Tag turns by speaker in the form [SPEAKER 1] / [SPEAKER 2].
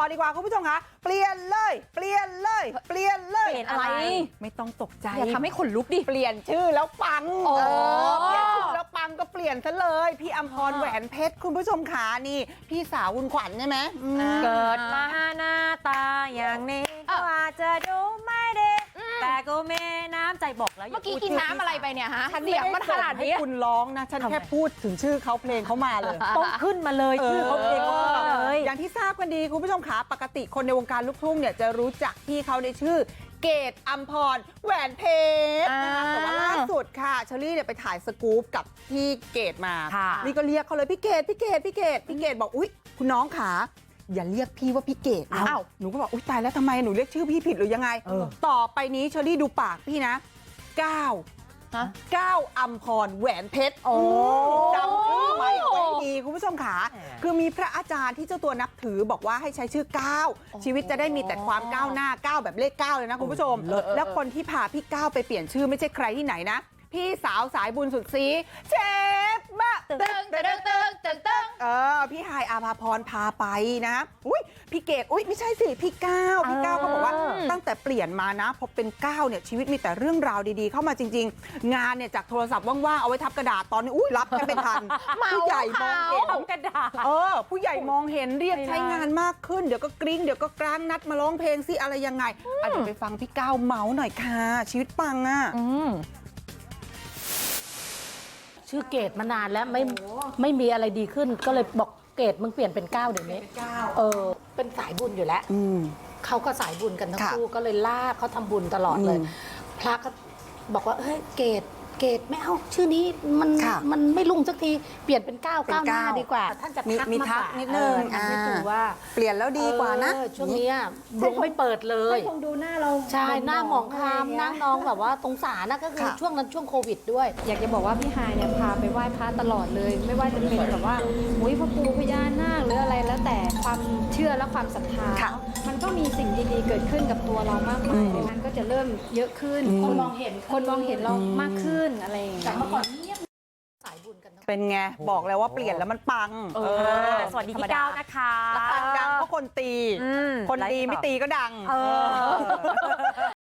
[SPEAKER 1] ดีกว่าคุณผู้ชมคะเปลี่ยนเลยเปลี่ยนเลยเปลี่ยนเลย
[SPEAKER 2] เปลี่ยนอะไร
[SPEAKER 1] ไม่ต้องตกใจ
[SPEAKER 2] อย่าทำให้ขนลุกดิ
[SPEAKER 1] เปลี่ยนชื่อแล้วปัง
[SPEAKER 2] โอ้
[SPEAKER 1] เปลี่ยนชื่อแล้วปังก็เปลี่ยนซะเลยพี่อำพรแหวนเพชรคุณผู้ชมขานี่พี่สาวคุณขวัญใช่ไหม
[SPEAKER 3] เกิดมาหน้าตาอย่างนี้ก็อาจจะดูไม่ดีแต่ก็มีน้ำใจบอกแล้ว
[SPEAKER 2] เมื่อกี้กินน้ำอะไรไปเนี่ยฮะ
[SPEAKER 1] ฉัน
[SPEAKER 2] เสียงมันขนาด
[SPEAKER 1] ให้
[SPEAKER 2] นี้
[SPEAKER 1] คุณร้องนะฉันแค่พูดถึงชื่อเขาเพลงเขามาเลย
[SPEAKER 3] ต้องขึ้นมาเลยชื่อเขาเพลงเขาขึ้นมาเลย
[SPEAKER 1] อย่างที่ทราบกันดีคุณผู้ชมขาปกติคนในวงการลูกทุ่งเนี่ยจะรู้จักพี่เขาในชื่อเกตอัมพรแหวนเพชรนะคะแต่ว่าล่าสุดค่ะเชอรี่เนี่ยไปถ่ายสกู๊ปกับพี่เกตมา
[SPEAKER 3] ค่ะ
[SPEAKER 1] นี่ก็เรียกเขาเลยพี่เกตพี่เกตพี่เกตพี่เกตบอกอุ๊ยคุณน้องขาอย่าเรียกพี่ว่าพี่เกดนะ
[SPEAKER 3] อ้าว
[SPEAKER 1] หนูก็บอกอุ๊ยตายแล้วทำไมหนูเรียกชื่อพี่ผิดหรือยังไง ต่อไปนี้เชอรี่ดูปากพี่นะก้าว
[SPEAKER 2] ฮะ
[SPEAKER 1] ก้าวอัมพรแหวนเพชร
[SPEAKER 3] โอ้
[SPEAKER 1] จำชื่อไว้เอาไว้ดีคุณผู้ชมขาคือมีพระอาจารย์ที่เจ้าตัวนับถือบอกว่าให้ใช้ชื่อก้าวชีวิตจะได้มีแต่ความก้าวหน้าก้าวแบบเลขก้าวเลยนะคุณผู้ชม แล้วคนที่พาพี่ก้าวไปเปลี่ยนชื่อไม่ใช่ใครที่ไหนนะพี่สาวสายบุญสุดซีเชฟบะ พี่ฮายอาภาพรพาไปนะอุ้ยพี่เกดอุ้ยไม่ใช่สิพี่ก้าวพี่ก้าวเขาบอกว่าตั้งแต่เปลี่ยนมานะพอเป็นก้าวเนี่ยชีวิตมีแต่เรื่องราวดีๆเข้ามาจริงๆงานเนี่ยจากโทรศัพท์ว่างๆเอาไว้ทับกระดาษตอนนี้อุ้ยรับแค่เป็นทันผู้ใหญ่มองเห็น
[SPEAKER 3] ทำกระดาษ
[SPEAKER 1] ผู้ใหญ่มองเห็นเรียกใช้งานมากขึ้นเดี๋ยวก็กริ้งเดี๋ยวก็กลางนัดมาร้องเพลงสิอะไรยังไงเดี๋ยวไปฟังพี่ก้าวเมาส์หน่อยค่ะชีวิตปังอ่ะ
[SPEAKER 4] ชื่อเกดมานานแล้วไม่มีอะไรดีขึ้นก็เลยบอกเกดมึงเปลี่ยนเป็นก้าวเดี๋ยวนี้เป็นสายบุญอยู่แล้วเขาก็สายบุญกันทั้ง
[SPEAKER 1] ค่ะ
[SPEAKER 4] คู่ก็เลยลากเขาทำบุญตลอดเลย พระก็บอกว่าเฮ้ยเกดไม่เอาชื่อนี้มันไม่รุ่งสักทีเปลี่ยนเป็นก้าวหน้าดีกว่า ท่านจะทัก
[SPEAKER 1] มี
[SPEAKER 4] มา
[SPEAKER 1] ทักนิดนึง
[SPEAKER 4] ทักนิดนึงว่า
[SPEAKER 1] เปลี่ยนแล้วดีกว่านะ
[SPEAKER 4] ช่วงเนี้ยดวงไม่เปิดเลย
[SPEAKER 5] คงดูหน้าเรา
[SPEAKER 4] ใช่หน้าหมองคล้ำหน้าน้องแบบว่าตรงสารนะก็คือ
[SPEAKER 1] ค่ะ
[SPEAKER 4] ช่วงนั้นช่วงโควิดด้วย
[SPEAKER 5] อยากจะบอกว่าพี่ฮายเนี่ยพาไปไหว้พระตลอดเลย ไม่ว่าจะเป็นแบบว่ามุ้ยพระปูพญานาคหรืออะไรแล้วแต่ความเชื่อและความศรัทธา
[SPEAKER 1] ค่ะ
[SPEAKER 5] มันก็มีสิ่งดีๆเกิดขึ้นกับตัวเรามากมายมันก็จะเริ่มเยอะขึ้น
[SPEAKER 4] คนมองเห็น
[SPEAKER 5] คนมองเห็นเรามากขึ้นอะไรอย่างเงี้
[SPEAKER 4] จาก
[SPEAKER 5] ย
[SPEAKER 4] เมื่อก่อนเงียบสายบุญกันทั้ง
[SPEAKER 1] เป็นไงบอกแล้วว่าเปลี่ยนแล้วมันปัง
[SPEAKER 3] สวัสดีพี่ก้าวนะคะ
[SPEAKER 1] ดังเพราะคนตี
[SPEAKER 3] อืม
[SPEAKER 1] คนดีไม่ตีก็ดัง
[SPEAKER 3] เออ